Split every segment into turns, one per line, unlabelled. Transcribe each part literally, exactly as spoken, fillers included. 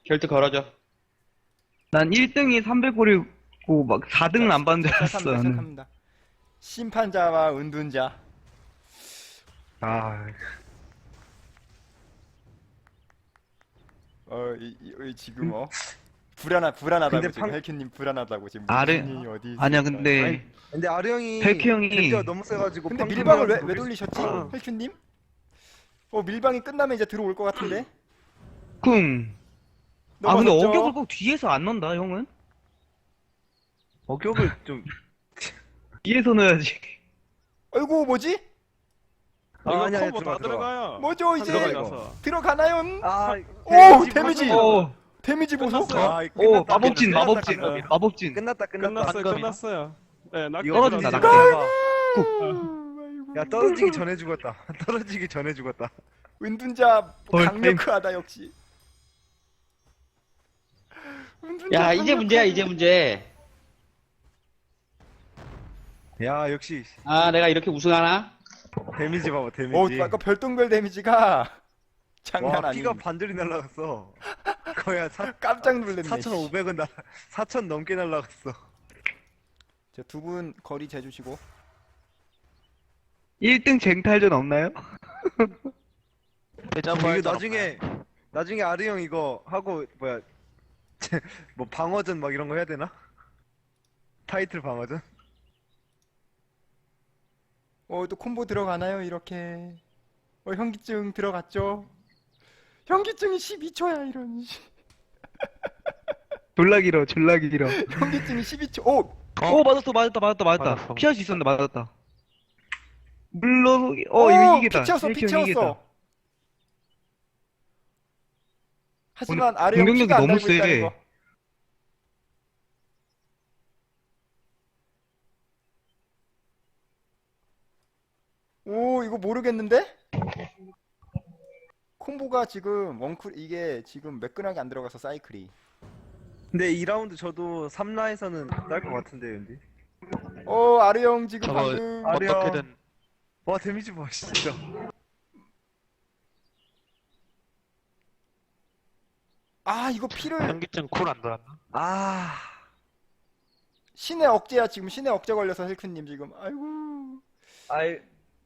결투 걸어줘.
난 일 등이 삼백골이고 막 사 등은 안 받는 줄 알았어.
시작합니다.
나는.
시작합니다. 심판자와 은둔자.
아,
어, 이, 이, 이 지금 어 불안하 불안하다고
근데
지금
방-
헬큐님 불안하다고 지금
아래-
무슨 일이 어디
아니야
있을까?
근데
아니, 근데 아르 형이
헬키 형이-
겐지가 너무 세가지고
근데
방금
밀방을 왜,
그냥
왜
녹일
돌리셨지?
수- 아.
헬큐님? 어 밀방이 끝나면 이제 들어올 것 같은데?
쿵. 아 근데
넘어섰죠?
어격을 꼭 뒤에서 안 넣는다 형은?
어격을 좀
뒤에서 넣어야지.
아이고 뭐지?
아,
이거
아니야,
콤보
들어가,
다
들어가.
들어가요.
뭐죠 이제?
들어가,
들어가서.
들어가나요?
아,
오 데미지!
오,
데미지 보소?
끝났어요.
아,
오
끝났다,
마법진
끝났다,
마법진
끝났다.
마법진.
끝났다 끝났다
끝났어요.
반감이야.
끝났어요. 네, 낙
이거
떨어진다,
떨어지지
낙대.
마. 야 떨어지기 전에 죽었다 떨어지기 전에 죽었다
은둔자
헐,
강력하다 역시. 은둔자
야, 이제 문제야, 이제 문제.
야 역시
아, 내가 이렇게 우승하나?
데미지 봐봐 데미지
오, 아까 별똥별 데미지가 장난
와
아니.
피가 반절이 날라갔어 거의 한 사,
깜짝 놀랐네.
사천오백은 날 사천 넘게 날라갔어
두 분 거리 재주시고.
일 등 쟁탈전 없나요?
이거 나중에 나중에 아르 형 이거 하고 뭐야 뭐 방어전 막 이런 거 해야 되나? 타이틀 방어전?
어, 또 콤보 들어가나요, 이렇게? 어, 현기증 들어갔죠? 현기증이 십이 초야, 이런.
졸라 길어 졸라 길어.
현기증이 십이 초. 오!
오 맞았어 맞았다 맞았다 맞았다.
맞았어.
피할 수 있었는데 맞았다. 물론 어
오,
이거 이기다.
피 채웠어,
헬키
피
형이 이기다.
채웠어. 하지만
오늘
아래 형
공격력이
피가 안
너무
달고 있다는
세.
거. 오, 이거 모르겠는데? 콤보가 지금 원쿨 이게 지금 매끈하게 안 들어가서 사이클이.
근데 이 라운드 저도 삼 라에서는 딸 것 같은데 왠지
어, 아르 형 지금
저거
방금
아르 형.
어떻게든
와 데미지 봐 진짜
아, 이거 피를
현기증 쿨 안 돌았나?
아
신의 억제야 지금 신의 억제 걸려서 헬크님 지금 아이고
아이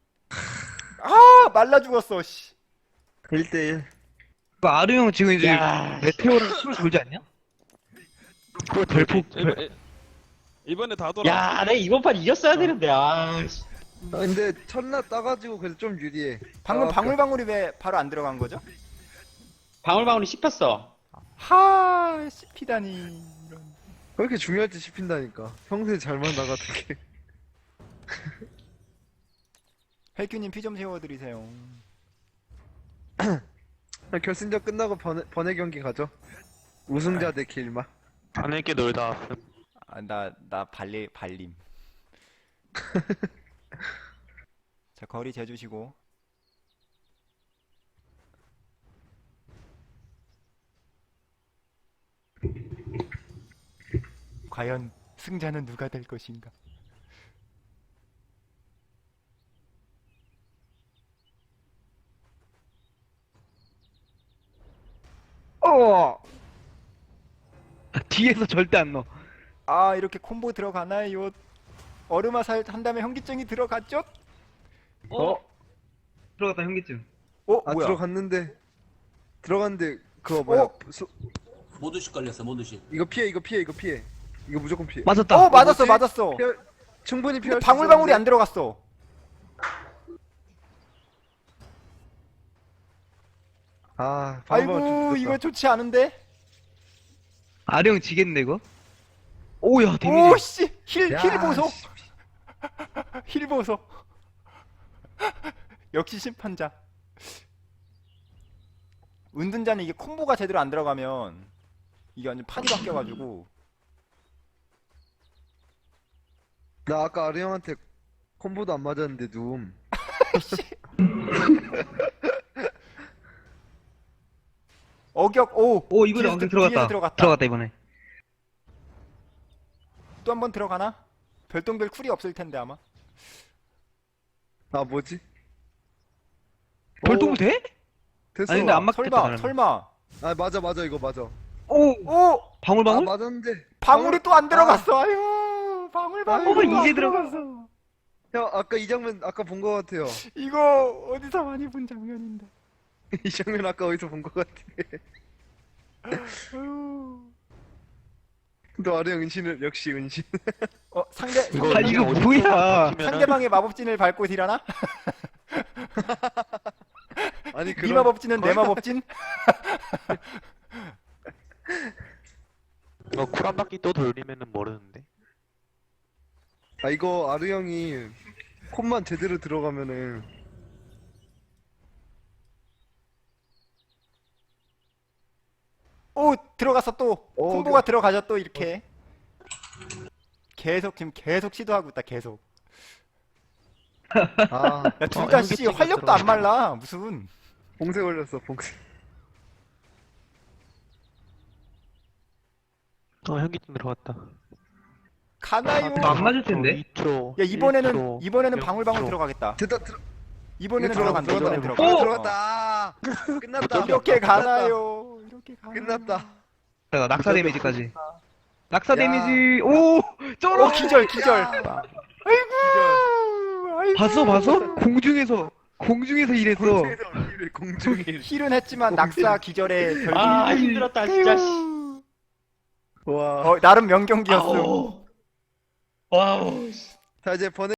아 말라 죽었어 씨.
일 대일
그 아르 형 지금 이제
야.
메테오를 술 돌지 않냐?
그거
별폭
이번-
별-
이번에 다 돌아.
야, 내가 이번 판 이겼어야 되는데, 아. 씨.
아, 근데 첫날 따가지고 그래도 좀 유리해
방금
아,
방울방울이 왜 바로 안 들어간 거죠?
방울방울이 씹혔어.
하 씹히다니 이런.
왜 이렇게 중요할지 씹힌다니까 평소에 잘만 나가던
헬큐님 피 좀 세워드리세요.
게 결승전 끝나고 번외, 번외 경기 가죠 우승자 대 길마
안에게 놀다
아, 나, 나 발리, 발림. 자, 거리 재주시고. 과연 승자는 누가 될 것인가?
어. 뒤에서 절대 안 넣어.
아, 이렇게 콤보 들어가나요? 얼음화살 한 다음에 현기증이 들어갔죠?
어? 들어갔다 현기증.
어,
아
뭐야?
들어갔는데 들어갔는데 그거 뭐야
어?
소-
모두씩 걸렸어 모두씩.
이거 피해 이거 피해 이거 피해 이거 무조건 피해
맞았다.
어, 맞았어,
뭐지?
맞았어.
피할- 충분히
근데
피할 수
방울방울이 안
있었는데.
들어갔어.
아 방울방울 좀
아이고,
늦었다.
이거 좋지 않은데?
아르 형 지겠는데 이거? 오야 데미지.
오, 씨! 힐,
야,
힐 보소!
씨.
힐 보소! 역시 심판자. 은둔자는 이게 콤보가 제대로 안 들어가면 이게 완전 판이 바뀌어가지고.
나 아까 아르 형한테 콤보도 안 맞았는데 누움
어격, 오!
오 이번에
뒤에서
엉덩이
뒤에서
들어갔다.
들어갔다.
들어갔다 이번에.
또 한 번 들어가나? 별똥별 쿨이 없을 텐데 아마.
아 뭐지?
별똥 돼?
됐어
아니 근데 안 맞겠다.
설마,
나는.
설마.
아 맞아 맞아 이거 맞아
오!
오!
아
방울방울?
맞았는데.
방울이 또 안
아.
들어갔어. 아유, 방울 방울.
어,
또 안
이제 들어갔어.
형 아까 이 장면 아까 본 거 같아요.
이거 어디서 많이 본 장면인데.
이 장면 아까 어디서 본 거 같아.
아유.
또 아르 형 은신을 역시 은신.
어, 상대
이거
아, 이거 뭐야.
상대방의 마법진을 밟고 딜하나?
아니
네
그런
마법진은 내 마법진?
이거 쿨 한 바퀴 또 돌리면은 모르는데.
아 이거 아르 형이 콤만 제대로 들어가면은
오, 들어갔어 또.
오,
콤보가 들어가죠 또 이렇게. 계속 지금 계속 시도하고 있다 계속.
아
야, 둘
어,
다 씨
현기증이
활력도 안
들어가네.
말라. 무슨.
봉쇄 걸렸어 봉쇄.
어 현기증 들어갔다.
가나요?
이거 안 맞을 텐데?
이 초.
야, 이번에는
일 초,
이번에는
영
방울방울
초.
들어가겠다.
됐다 들어.
이번에는
이거
들어간다.
들어간다,
이번에는
들어간다.
들어간다.
오! 들어갔다. 끝났다.
이렇게
끝났다.
가나요? 이렇게 가나요?
끝났다.
자, 낙사 데미지까지. 낙사
야.
데미지. 오!
오,
쩔어!
기절 기절.
야.
아이고. 아이고.
봤어, 봤어? 공중에서, 공중에서 일했어.
공중에서 일을 공중일.
힐은 했지만 낙사 기절에 결국.
아, 힘들었다, 진짜. 씨.
아이고.
와.
어, 나름 명경기였어.
아우. 와우.
자 이제 번